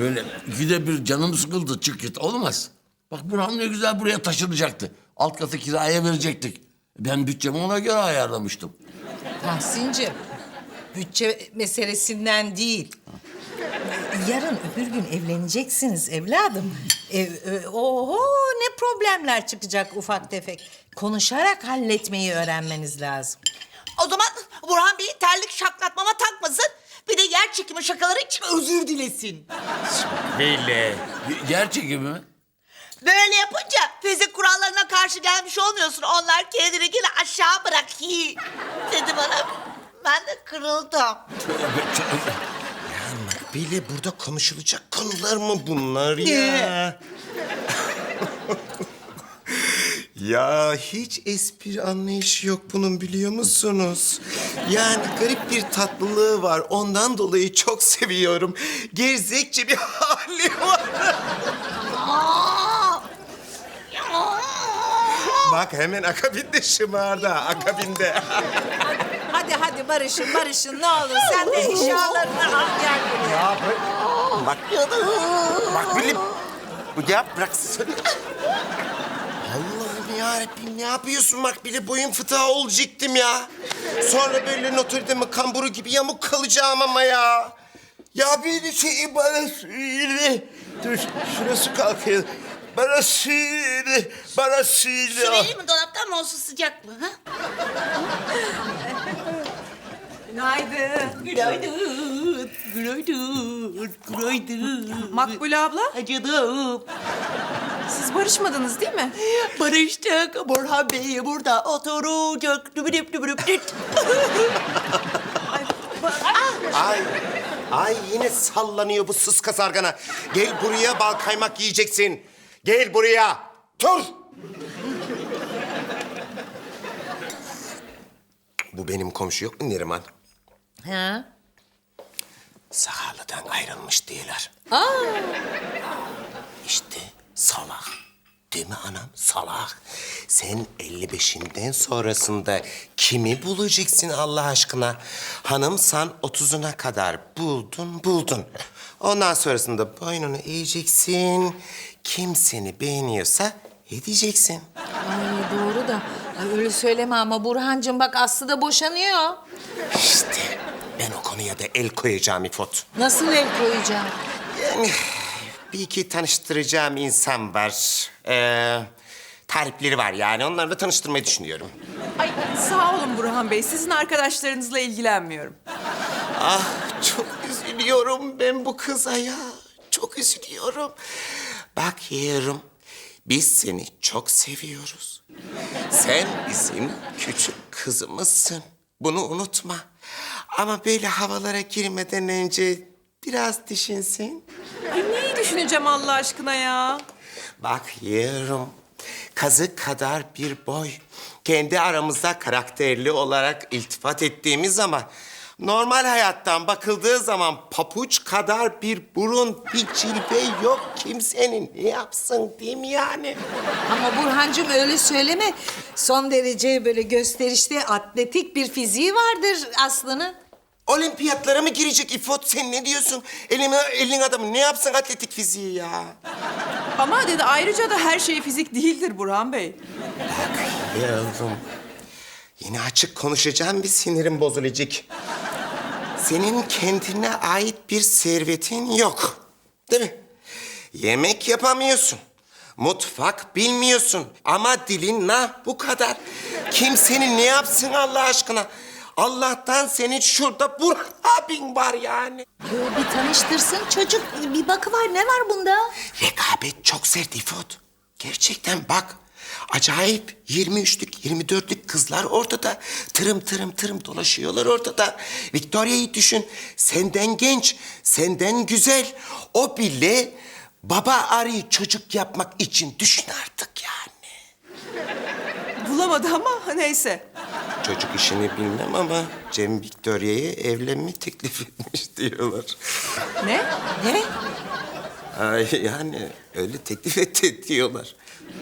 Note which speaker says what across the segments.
Speaker 1: Böyle ikide bir canım sıkıldı çık git olmaz. Bak Burhan ne güzel buraya taşınacaktı. Alt katı kiraya verecektik. Ben bütçemi ona göre ayarlamıştım.
Speaker 2: Tahsin'cim, bütçe meselesinden değil. Yarın öbür gün evleneceksiniz evladım. Oho ne problemler çıkacak ufak tefek. Konuşarak halletmeyi öğrenmeniz lazım.
Speaker 3: O zaman Burhan Bey terlik şaklatmama takmasın. Bir de yer çekimi şakaları için özür dilesin.
Speaker 1: Böyle. Gerçek mi?
Speaker 3: Böyle yapınca fizik kurallarına karşı gelmiş olmuyorsun. Onlar kendini yine aşağı bırak. Dedi bana. Ben de kırıldım.
Speaker 4: Makbule burada konuşulacak konular mı bunlar ya? Ya hiç espri anlayışı yok bunun biliyor musunuz? Yani garip bir tatlılığı var. Ondan dolayı çok seviyorum. Gerzekçe bir hali var. Bak hemen akabinde şımardı. Akabinde.
Speaker 2: Hadi barışın ne olur. Sen de eşyalarını al gel buraya.
Speaker 4: Bak. Bak Bilim. Ya bıraksana. Allah'ım yarabbim ne yapıyorsun bak bile boyun fıtığa olacaktım ya. Sonra böyle Notre Dame kamburu gibi yamuk kalacağım ama ya. Ya bir şey bana söyle. Dur şurası kalkıyor. Bana söyle. Bana söyle.
Speaker 3: Su vereyim mi dolaptan mı olsun sıcak mı? Ha?
Speaker 2: Günaydın.
Speaker 3: Günaydın. Günaydın. Günaydın.
Speaker 5: Makbule abla,
Speaker 3: Canım.
Speaker 5: siz barışmadınız değil mi?
Speaker 3: Barıştık. Burhan Bey burada oturacak. Dübürüp dübürüp düt.
Speaker 4: Ay yine sallanıyor bu sıska sargana. Gel buraya bal kaymak yiyeceksin. Gel buraya. Dur. Bu benim komşu yok mu Neriman?
Speaker 2: Ha?
Speaker 4: Sakarlı'dan ayrılmış diyorlar. İşte salak. Değil mi anam? Salak. Sen 55'inden sonrasında kimi bulacaksın Allah aşkına? Hanım sen 30'una kadar buldun. Ondan sonrasında boynunu eğeceksin. Kim seni beğeniyorsa edeceksin.
Speaker 2: Ay doğru da. Ay, öyle söyleme ama Burhancığım bak Aslı da boşanıyor.
Speaker 4: İşte ben o konuya da el koyacağım İfot.
Speaker 2: Nasıl el koyacağım?
Speaker 4: Yani bir iki tanıştıracağım insan var. Tarifleri var yani. Onlarla tanıştırmayı düşünüyorum.
Speaker 5: Ay sağ olun Burhan Bey, sizin arkadaşlarınızla ilgilenmiyorum.
Speaker 4: Ah çok üzülüyorum ben bu kıza ya. Çok üzülüyorum. Bak yeğenim, biz seni çok seviyoruz. Sen bizim küçük kızımızsın. Bunu unutma. Ama böyle havalara girmeden önce biraz düşünsün.
Speaker 5: Ay neyi düşüneceğim Allah aşkına ya?
Speaker 4: Bak yeğenim, kazık kadar bir boy. Kendi aramızda karakterli olarak iltifat ettiğimiz ama... normal hayattan bakıldığı zaman papuç kadar bir burun, bir cilve yok kimsenin. Ne yapsın değil mi yani?
Speaker 2: Ama Burhancığım öyle söyleme. Son derece böyle gösterişli atletik bir fiziği vardır Aslı'nın.
Speaker 4: Olimpiyatlara mı girecek İfot? Sen ne diyorsun? Elin adamı ne yapsın atletik fiziği ya?
Speaker 5: Ama dedi ayrıca da her şey fizik değildir Burhan Bey.
Speaker 4: Yavrum, yine açık konuşacağım bir sinirim bozulacak. Senin kendine ait bir servetin yok. Değil mi? Yemek yapamıyorsun. Mutfak bilmiyorsun. Ama dilin bu kadar. Kim seni ne yapsın Allah aşkına? Allah'tan senin şurada Burhan abin var yani.
Speaker 2: Yo, bir tanıştırsın çocuk. Bir bakıver ne var bunda?
Speaker 4: Rekabet çok sert İfot. Gerçekten bak. Acayip 23'lük, 24'lük kızlar ortada. Tırım dolaşıyorlar ortada. Victoria'yı düşün. Senden genç, senden güzel. O bile baba arıyı çocuk yapmak için düşün artık yani.
Speaker 5: Bulamadı ama neyse.
Speaker 4: Çocuk işini bilmem ama Cem Victoria'ya evlenme teklif etmiş diyorlar.
Speaker 5: Ne?
Speaker 2: Ne?
Speaker 4: Ay yani öyle teklif etti diyorlar.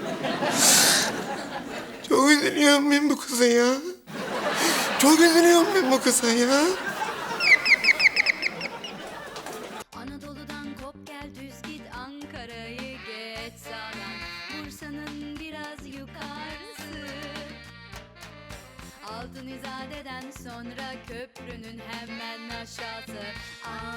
Speaker 4: Çok üzülüyorum ben bu kıza ya. Çok üzülüyorum ben bu kıza ya.
Speaker 6: Anadolu'dan kop gel düz git Ankara'yı geç sağdan, Bursa'nın biraz yukarısı. Altın İzade'den sonra köprünün hemen aşağısı.